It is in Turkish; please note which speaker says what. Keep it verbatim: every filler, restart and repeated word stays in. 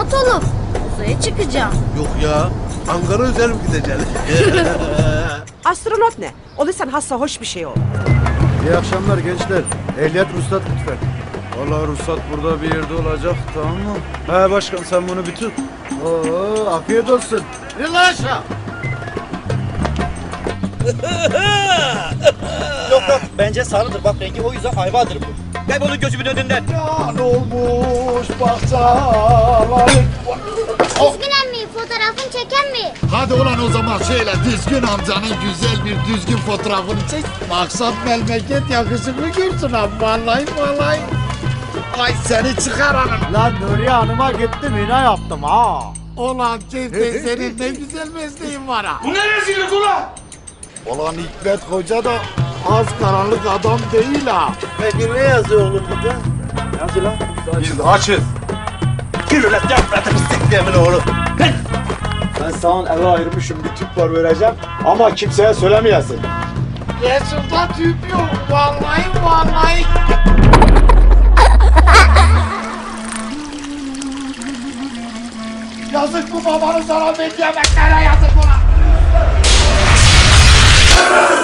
Speaker 1: astronot olup uzaya çıkacağım.
Speaker 2: Yok ya. Ankara özel mi gideceksin?
Speaker 3: Astronot ne? Olursan hassa hoş bir şey ol.
Speaker 4: İyi akşamlar gençler. Ehliyet ruhsat lütfen.
Speaker 5: Vallahi ruhsat burada bir yerde olacak, tamam mı? He başkan, sen bunu bir tut.
Speaker 4: Oo, afiyet olsun.
Speaker 2: İn lan aşağı.
Speaker 6: Yok yok, bence sarıdır, bak rengi o yüzden ayvadır bu. Kaybolun gözümün önünden.
Speaker 4: Ne olmuş bahçalar.
Speaker 1: Düzgün emmi fotoğrafını çeken mi?
Speaker 7: Hadi ulan o zaman şöyle düzgün amcanın güzel bir düzgün fotoğrafını çek. Maksat memleket yakışıklı görsün abi, vallahi vallahi. Ay seni çıkaranım.
Speaker 4: Lan Nuriye Hanım'a gittim yine yaptım ha.
Speaker 7: Ulan Cevdet, senin ne güzel mesleğin var ha.
Speaker 2: Bu ne rezillik ulan?
Speaker 7: Ulan Hikmet Hoca da az karanlık adam değil ha.
Speaker 4: Peki ne yazıyor oğlum bir de? Yazı lan.
Speaker 2: Biz açız. Kirlet yapmadınız siklemin oğlu.
Speaker 4: Ben sana eve ayırmışım bir tüp var vereceğim ama kimseye söylemeyesin.
Speaker 7: Resul'da tüp yok, vallahi vallahi. Yazık bu babanın sana verdiği emeklere, yazık buna.